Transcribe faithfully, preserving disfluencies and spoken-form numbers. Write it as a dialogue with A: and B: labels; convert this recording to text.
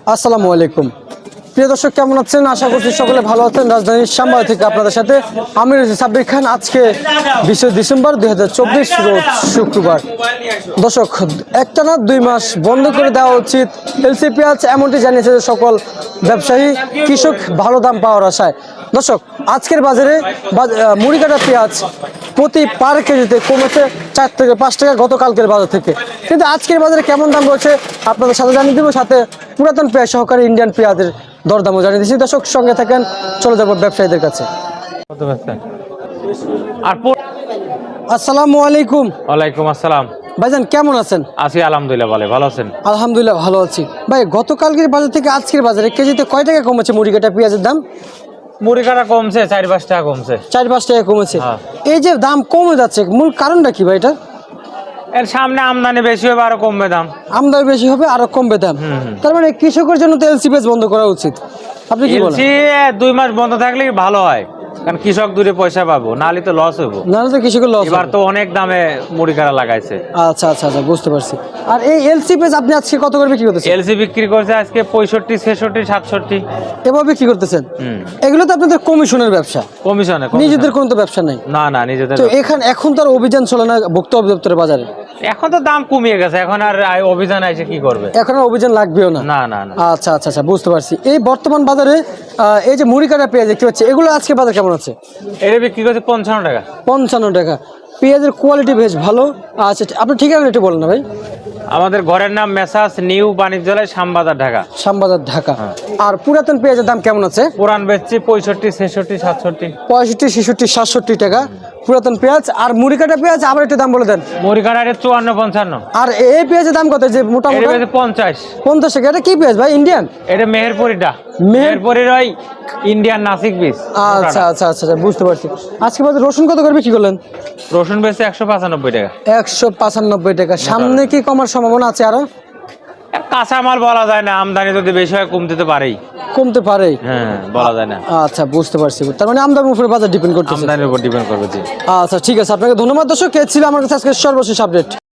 A: আসসালামু আলাইকুম প্রিয় দর্শক, কেমন আছেন? আশা করছি সকলে ভালো আছেন। রাজধানীর শ্যামবাজার থেকে আপনাদের সাথে আমি রয়েছি সাব্বির খান। আজকে বিশে ডিসেম্বর দুই হাজার চব্বিশ রোজ শুক্রবার। দর্শক, একটানা দুই মাস বন্ধ করে দেওয়া উচিত এলসি পেঁয়াজ, এমনটি জানিয়েছে সকল ব্যবসায়ী কৃষক ভালো দাম পাওয়ার আশায়। দর্শক, আজকের বাজারে মুড়িকাটা পেঁয়াজ প্রতি পার কেজিতে কমেছে চার থেকে পাঁচ টাকা গতকালকের বাজার থেকে, কিন্তু আজকের বাজারে কেমন দাম রয়েছে আপনাদের সাথে জানিয়ে দেবো। সাথে পুরাতন পেঁয়াজ সহকারে ইন্ডিয়ান পেঁয়াজের দরদামও জানিয়ে দিচ্ছি। দর্শক, সঙ্গে থাকেন, চলে যাবো ব্যবসায়ীদের কাছে। আসসালামু আলাইকুম।
B: ওয়ালাইকুম আসসালাম।
A: ভাইজান কেমন আছেন?
B: আছি আলহামদুলিল্লাহ, ভালো ভালো আছেন?
A: আলহামদুলিল্লাহ ভালো আছি। ভাই, গতকালকের বাজার থেকে আজকের বাজারে কেজিতে কয় টাকা কমেছে মুড়িকাটা পেঁয়াজের দাম?
B: মুড়ি কাটা কমছে, চার পাঁচ টাকা কমছে।
A: চার পাঁচ টাকা কমেছে।
B: হ্যাঁ।
A: এই যে দাম কমে যাচ্ছে, মূল কারণটা কি ভাই? এটা
B: এর সামনে আমদানি বেশি হবে, আরো কমবে দাম।
A: আমদানি বেশি হবে, আরো কমবে দাম। তার মানে কৃষকের জন্য তো এলসি পেঁয়াজ বন্ধ করা উচিত। আপনি কি বলেন?
B: এলসি দুই মাস বন্ধ থাকলে ভালো হয়, কারণ কৃষক দূরে পয়সা পাবো, নাহলে তো লস হইব।
A: নাহলে তো কৃষকের লস।
B: এবার তো অনেক দামে মুড়ি কাটা লাগাইছে।
A: আচ্ছা আচ্ছা আচ্ছা, বুঝতে পারছি। আর এই এলসি পেঁয়াজ আপনি আজকে কত করে বিক্রি করতেছেন?
B: এলসি বিক্রি করছে আজকে পঁয়ষট্টি, ছেষট্টি, সাতষট্টি
A: এভাবে বিক্রি করতেছেন?
B: হুম।
A: এগুলো তো আপনাদের কমিশনের ব্যবসা,
B: কমিশনে।
A: নিজেদের কোনো তো ব্যবসা নাই।
B: না না, নিজেদের।
A: তো এখানে এখন তো আর অভিযান চলে না ভোক্তা অধিদপ্তরের বাজারে?
B: এখন তো দাম কমিয়ে গেছে, এখন আর আই- অভিযান আছে কি করবে?
A: এখন আর অভিযান লাগবেও না।
B: না না না।
A: আচ্ছা আচ্ছা আচ্ছা, বুঝতে পারছি। এই বর্তমান বাজারে আহ, এই যে মুড়ি কাটা পেঁয়াজ দেখতে পাচ্ছি, এগুলো আজকে বাজার কেমন আছে?
B: এটা বিক্রি করছে পঞ্চান্ন টাকা।
A: পঞ্চান্ন টাকা। পেঁয়াজের কোয়ালিটি বেশ ভালো। আচ্ছা, আপনি ঠিকানা একটু বলেন না ভাই।
B: আমাদের ঘরের নাম মেসাস নিউ বাণিজ্যালয়, শ্যামবাজার, ঢাকা।
A: শ্যামবাজার, ঢাকা। আর পুরাতন পেঁয়াজের দাম কেমন আছে?
B: পুরান বেচছি পঁয়ষট্টি, ছেষট্টি, সাতষট্টি।
A: পঁয়ষট্টি, ছেষট্টি, সাতষট্টি টাকা পুরাতন পেঁয়াজ। আর মুড়ি কাটা পেঁয়াজ আবার একটু দাম বলে দেন।
B: মুড়ি কাটা রেট চুয়ান্ন, পঞ্চান্ন।
A: আর এই পেঁয়াজের দাম কত? যে মোটা
B: এটা
A: মোটা
B: বেচে পঞ্চাশ।
A: পঞ্চাশ টাকা। এটা কি পেঁয়াজ ভাই? ইন্ডিয়ান?
B: এটা মেহেরপুরিটা।
A: মেহের-
B: মেহেরপুরির ওই ইন্ডিয়ান নাসিক বীজ।
A: আচ্ছা আচ্ছা আচ্ছা আচ্ছা, বুঝতে পারছি। আজকে বাজার রসুন কত করে বিক্রি করলেন?
B: রসুন বেচছে একশো পঁচানব্বই টাকা।
A: একশো পঁচানব্বই টাকা। সামনে কি কমার সম্ভাবনা আছে আরো?
B: আর কাঁচামাল বলা যায় না, আমদানি যদি বেশি হয় কমতে তো পারেই।
A: কমতে পারে।
B: হ্যাঁ, বলা যায় না।
A: আচ্ছা, বুঝতে পারছি। তার মানে আমদানির উপরে বাজার ডিপেন্ড করতেছে।
B: আমদানির উপর ডিপেন্ড করবে। জি।
A: আচ্ছা, ঠিক আছে। আপনাকে ধন্যবাদ। দর্শক, কে ছিল আমার কাছে আজকে সর্বশেষ আপডেট।